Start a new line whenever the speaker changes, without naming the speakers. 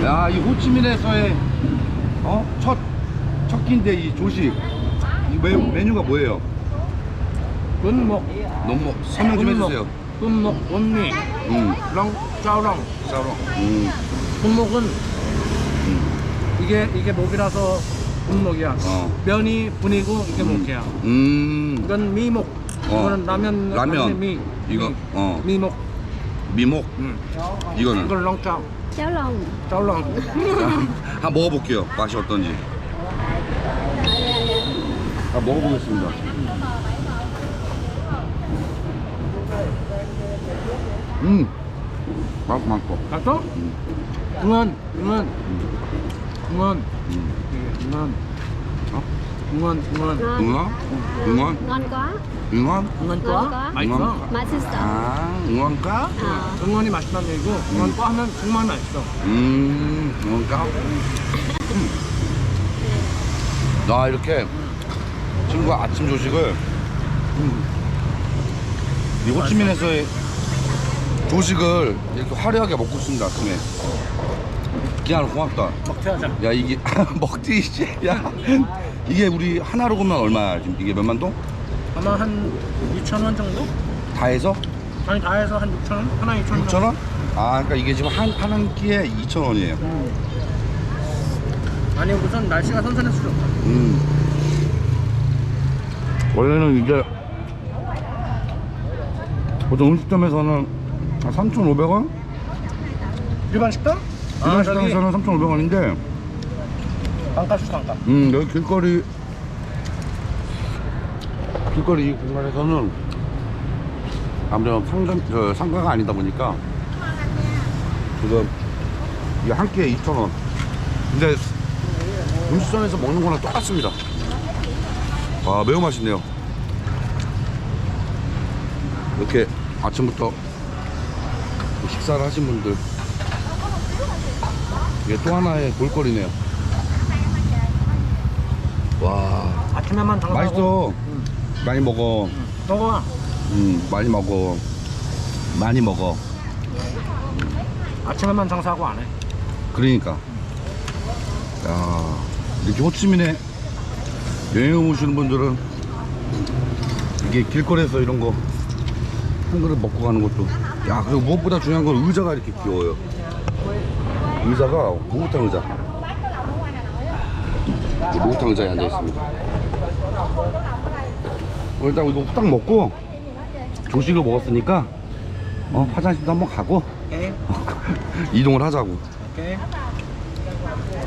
야, 이 호치민에서의 첫 끼인데 이 조식. 이 메뉴가 뭐예요?
군목,
너무 설명 좀 해주세요.
군목, 원미, 렁, 짜오렁.
짜로.
군목은 이게 목이라서 군목이야. 면이 분이고 이게 목이야. 이건 미목. 이거는 라면 미.
이거
미목.
미목. 이거는
이건 렁짜오.
Cháo lòng.
짜오렁.
한번 먹어볼게요. 맛이 어떤지. 먹어보겠습니다. 맛있고.
갔어? 응원.
응원.
응원.
Ngon quá.
응원?
Ngon quá.
맛있어.
맛있어.
응원가?
응원이 맛있다는 얘기고 응원과 하면 정말 맛있어.
응원가? 나 이렇게 친구가 아침 조식을 이 호치민에서의 조식을 이렇게 화려하게 먹고 있습니다. 아침에. 기아는 고맙다.
먹튀하자.
야, 이게 먹튀지. 야, 이게 우리 하나로 보면 얼마야? 지금 이게 몇만 동?
아마 한 2,000원 정도?
다 해서?
아니 다 해서 한 6,000원? 하나 2,000원.
6,000원? 아, 그러니까 이게 지금 한 끼에 2,000원이에요.
아니 우선 날씨가 선선해서 좋다.
원래는 이게 보통 음식점에서는 3,500원?
일반 식당?
일반 식당에서는 3,500원인데
단가수 단가.
여기 길거리 이 공간에서는 아무래도 상가가 아니다 보니까 지금 이게 한 끼에 2,000원. 근데 음식점에서 먹는 거랑 똑같습니다. 와, 매우 맛있네요. 이렇게 아침부터 식사를 하신 분들, 이게 또 하나의 볼거리네요. 와,
아침에만 장사하고.
맛있어. 많이 먹어.
먹어봐.
많이 먹어. 많이 먹어.
아침에만 장사하고 안 해.
그러니까. 야, 이렇게 호치민에 여행 오시는 분들은 이게 길거리에서 이런 거 한 그릇 먹고 가는 것도. 야, 그리고 무엇보다 중요한 건 의자가 이렇게 귀여워요. 의자가 목욕탕 의자. 목욕탕 의자에 앉아 있습니다. 일단 이거 후딱 먹고 조식을 먹었으니까 화장실도 한번 가고
오케이.
이동을 하자고.
오케이.